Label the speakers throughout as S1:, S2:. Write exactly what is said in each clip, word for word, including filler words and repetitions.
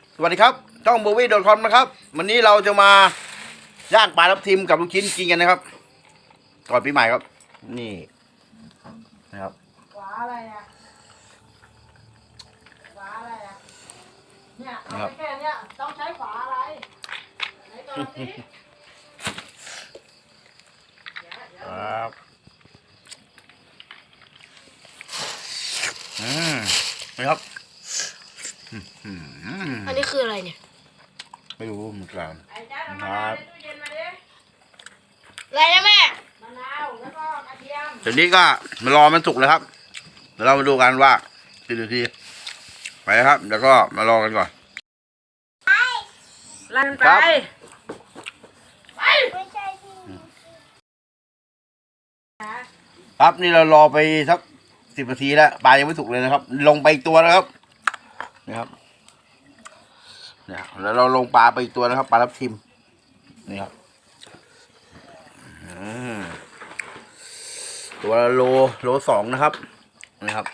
S1: สวัสดีครับช่องโบวี่โดทคอมนะครับวันนี้เราจะมาย่างปลาทับทิมกับลูกชิ้นกินกันนะครับก่อนปีใหม่ครับนี่นะครับ
S2: ฝาอะไรอ่ะฝาอะไรอ่ะเนี่ยเอาไปแค่เนี้ยต้องใช้ฝาอะไรไหนก่อนสิ
S1: ครับอืมนะครับอืม
S3: อันนี้คืออะไรเนี่ย
S1: ไม่รู้เหมือนกัน
S2: ไอ้จ้าทำอะไรในตู้เย็นมาดิ
S3: อะไรนะแม่
S2: มะนาวแล้วก็กระเทียม
S1: เดี๋ยวนี้ก็มารอมันสุกเลยครับเดี๋ยวเรามาดูกันว่ากี่นาทีไปนะครับเดี๋ยวก็มารอกันก่อน
S2: ลั่นไป
S1: ครับ ครับนี่เรารอไปสักสิบนาทีแล้วปลายังไม่สุกเลยนะครับ ลงไปอีกตัวนะครับนี่ครับเนี่ยแล้วเราลงปลาไปอีกตัวนะครับปลาทับทิมนี่ครับอืมตัวละโลโลสองนะครับนี่ครับ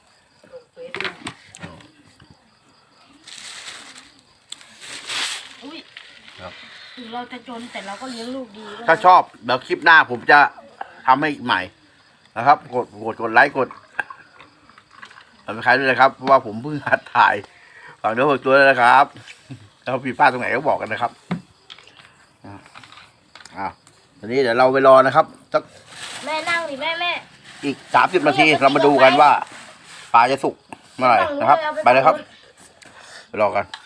S3: อุ้ย
S1: ครับ
S3: ถึงเราจะจนแต่เราก็เลี้ยงลูกดีด้วย
S1: ถ้าชอบเดี๋ยวคลิปหน้าผมจะทำให้ใหม่นะครับกดกดกดไลค์กดทำใครด้วยนะครับเพราะว่าผมเพิ่งหัดถ่ายฝากเนื้อฝากตัวด้วยนะครับแล้วผิดพลาดตรงไหนก็บอกกันนะครับอ่าตอนนี้เดี๋ยวเราไปรอนะครับสัก
S3: แม่นั่งดิแม่แม่
S1: อีกสามสิบนาทีเรามาดูกันว่าปลาจะสุกเมื่อไหร่นะครับ ไปเลยครับไปรอกัน